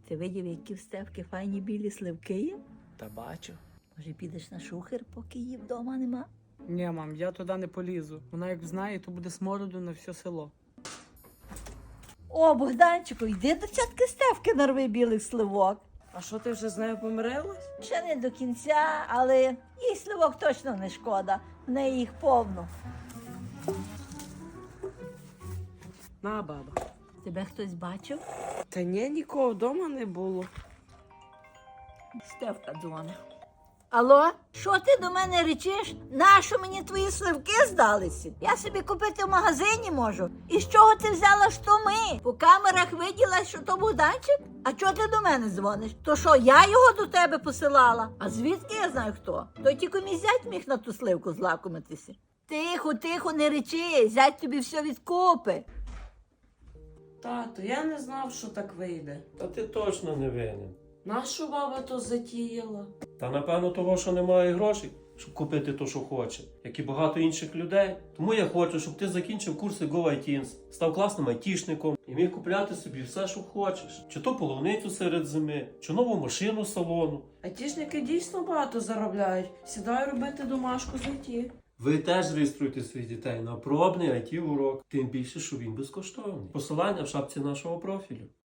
Ти видів, які в Стевки файні білі сливки є? Та бачу. Може, підеш на шухер, поки її вдома нема? Ні, мам, я туди не полізу. Вона як знає, то буде смороду на все село. О, Богданчику, йди до тятки Стевки нарви білих сливок. А що, ти вже з нею помирилась? Ще не до кінця, але їй сливок точно не шкода. В неї їх повно. На, баба. Тебе хтось бачив? Та ні, нікого вдома не було. Стевка дзвонить. Алло, що ти до мене речиш? Нащо мені твої сливки здалися? Я собі купити в магазині можу. І з чого ти взяла, що ми? По камерах виділа, що то Богданчик? А чого ти до мене дзвониш? То що, я його до тебе посилала? А звідки я знаю хто? То тільки мій зять міг на ту сливку злакомитися. Тихо, тихо, не речи, зять тобі все відкупи. Тато, я не знав, що так вийде. Та ти точно не винен. Нащо баба то затіяла? Та напевно того, що немає грошей, щоб купити то, що хоче, як і багато інших людей. Тому я хочу, щоб ти закінчив курси GoITins, став класним айтішником і міг купляти собі все, що хочеш. Чи то полуницю серед зими, чи нову машину з салону. Айтішники дійсно багато заробляють. Сідаю робити домашку з ІТ. Ви теж реєструйте своїх дітей на пробний IT-урок, тим більше, що він безкоштовний. Посилання в шапці нашого профілю.